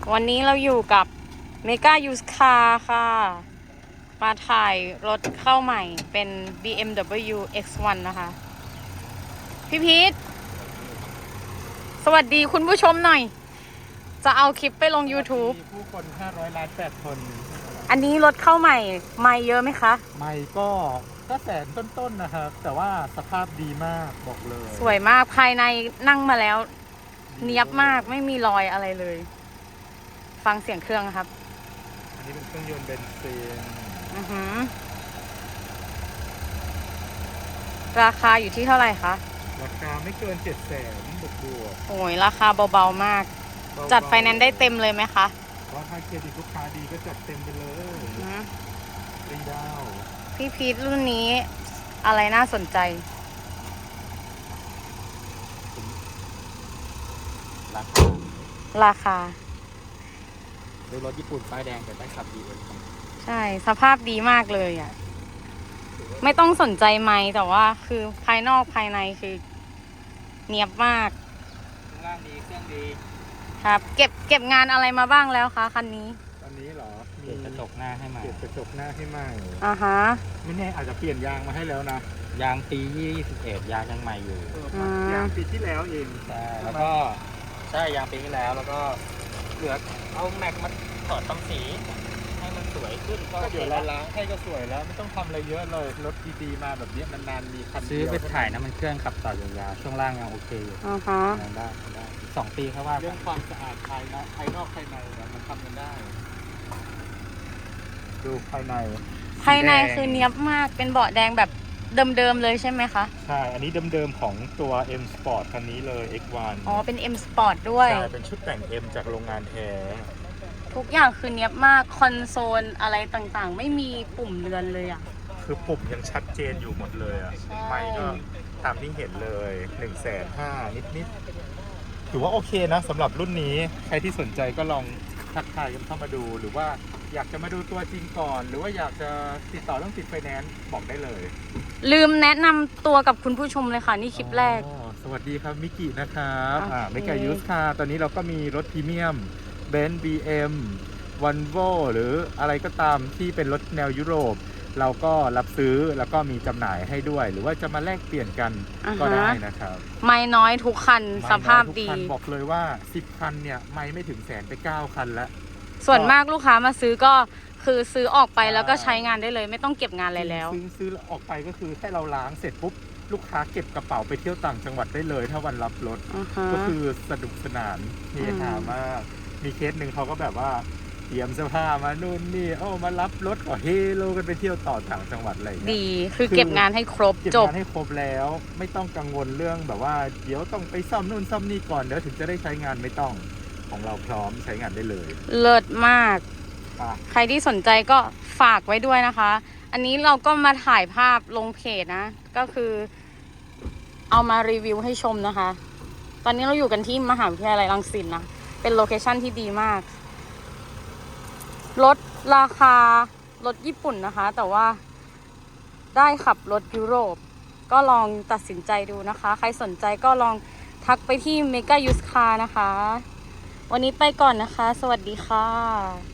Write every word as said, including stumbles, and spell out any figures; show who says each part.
Speaker 1: วันนี้เราอยู่กับเมกายูสคาร์ค่ะมาถ่ายรถเข้าใหม่เป็น บี เอ็ม ดับเบิลยู เอ็กซ์ วัน นะคะพี่พีทสวัสดีคุณผู้ชมหน่อยจะเอาคลิปไปลง YouTube
Speaker 2: ผู้คนห้าร้อยล้านแปดคน
Speaker 1: อันนี้รถเข้าใหม่ไม่เยอะไหมคะ
Speaker 2: ไม่ก็ก็แสนต้นๆนะครับแต่ว่าสภาพดีมากบอกเลย
Speaker 1: สวยมากภายในนั่งมาแล้วเนียบมากไม่มีรอยอะไรเลยฟังเสียงเครื่องครับ
Speaker 2: อันนี้เป็นเครื่องยนต์เบนซิน
Speaker 1: อือหือราคาอยู่ที่เท่าไหร่คะ
Speaker 2: ราคาไม่เกินเจ็ดแสนบวกบวก
Speaker 1: โอ้ยราคาเบาๆมากจัดไฟแนนซ์ได้เต็มเลยไหมคะ
Speaker 2: ว่าถ้าเครดิตลูกค้าดีก็จัดเต็มไปเลยรีดาว
Speaker 1: พี่พีทรุ่นนี้อะไรน่าสนใจ
Speaker 2: ราคา
Speaker 1: ราคา
Speaker 2: ดูรถญี่ปุ่นป้ายแดงแต่ได้ขับดีเลย
Speaker 1: ใช่สภาพดีมากเลยอ่ะไม่ต้องสนใจไมค์แต่ว่าคือภายนอกภายในคือเนียบมาก
Speaker 2: ข้างล่างดีเครื่องดี
Speaker 1: ครับเก็บเก็บงานอะไรมาบ้างแล้วคะคันนี้
Speaker 2: ตอนนี้เหรอมีกระจกหน้าให้ใหม่เปลี่ยนกระจกหน้าให้ใหม่
Speaker 1: อ่าฮะ
Speaker 2: ไม่แน่อาจจะเปลี่ยนยางมาให้แล้วนะยางปียี่สิบเอ็ดยางยังใหม่อยู่ยางปีที่แล้วเองใช่แล้วก็ใช่ยางปีที่แล้วแล้วก็เหลือเอาแม็กมาถอดทำสีให้มันสวยขึ้นก็เดี๋ยวเราล้างให้ก็สวยแล้วไม่ต้องทำอะไรเยอะเลยรถดีๆมาแบบนี้นานๆมีคันซื้อไปถ่ายนะมันเครื่องขับต่อยาวๆช่วงล่างยังโอเคอยู่
Speaker 1: อ่าฮะ
Speaker 2: ได้ได้สองปีครับว่าเรื่องความสะอาดภายนอกภายนอกภายในมันทำกันได้ดูภายใน
Speaker 1: ภายในคือเนียบมากเป็นเบาะแดงแบบเดิมๆเลยใช่ไหมคะ
Speaker 2: ใช่อันนี้เดิมๆของตัว M Sport คันนี้เลย เอ็กซ์ วัน
Speaker 1: อ๋อเป็น M Sport ด้วย
Speaker 2: ใช่เป็นชุดแต่ง M จากโรงงานแท้
Speaker 1: ทุกอย่างคือเนียบมากคอนโซลอะไรต่างๆไม่มีปุ่มเรือนเลยอ่ะ
Speaker 2: คือปุ่มยังชัดเจนอยู่หมดเลยอ่ะไม่ก็ตามที่เห็นเลยหนึ่งแสนห้านิดๆถือว่าโอเคนะสำหรับรุ่นนี้ใครที่สนใจก็ลองทักทายกันเข้ามาดูหรือว่าอยากจะมาดูตัวจริงก่อนหรือว่าอยากจะติดต่อเรื่องติดไฟแนนซ์บอกได้เลย
Speaker 1: ลืมแนะนำตัวกับคุณผู้ชมเลยค่ะนี่คลิปแรก
Speaker 2: สวัสดีครับมิกินะครับอ่าเมกายูสคาร์ตอนนี้เราก็มีรถพรีเมียมเบนซ์ บี เอ็ม วันโวหรืออะไรก็ตามที่เป็นรถแนวยุโรปเราก็รับซื้อแล้วก็มีจำหน่ายให้ด้วยหรือว่าจะมาแลกเปลี่ยนกันก็ได้นะครับ
Speaker 1: ไม่น้อยทุกคันสภาพดี
Speaker 2: บอกเลยว่าสิบคันเนี่ยไม่ไม่ถึงแสนไปเก้าคันแล้ว
Speaker 1: ส่วนมากลูกค้ามาซื้อก็คือซื้อออกไปแล้วก็ใช้งานได้เลยไม่ต้องเก็บงานอะไรแล้ว
Speaker 2: ซื้อซื้อออกไปก็คือให้เราล้างเสร็จปุ๊บลูกค้าเก็บกระเป๋าไปเที่ยวต่างจังหวัดได้เลยถ้าวันรับรถก็คือสนุกสนานเฮฮามากมีเคสหนึ่งเขาก็แบบว่าเตรียมเสื้อผ้ามานู่นนี่โอ้มารับรถก็เฮโลกันไปเที่ยวต่อต่างจังหวัดอะไร
Speaker 1: ดีคือเก็บงานให้ครบจบ
Speaker 2: เก็บงานให้ครบแล้วไม่ต้องกังวลเรื่องแบบว่าเดี๋ยวต้องไปซ่อมนู่นซ่อมนี่ก่อนเดี๋ยวถึงจะได้ใช้งานไม่ต้องของเราพร้อมใช้งานได้เลย
Speaker 1: เลิศมากใครที่สนใจก็ฝากไว้ด้วยนะคะอันนี้เราก็มาถ่ายภาพลงเพจนะก็คือเอามารีวิวให้ชมนะคะตอนนี้เราอยู่กันที่มหาวิทยาลัยรังสิตนะเป็นโลเคชั่นที่ดีมากรถราคารถญี่ปุ่นนะคะแต่ว่าได้ขับรถยุโรปก็ลองตัดสินใจดูนะคะใครสนใจก็ลองทักไปที่ Mega Used Car นะคะวันนี้ไปก่อนนะคะสวัสดีค่ะ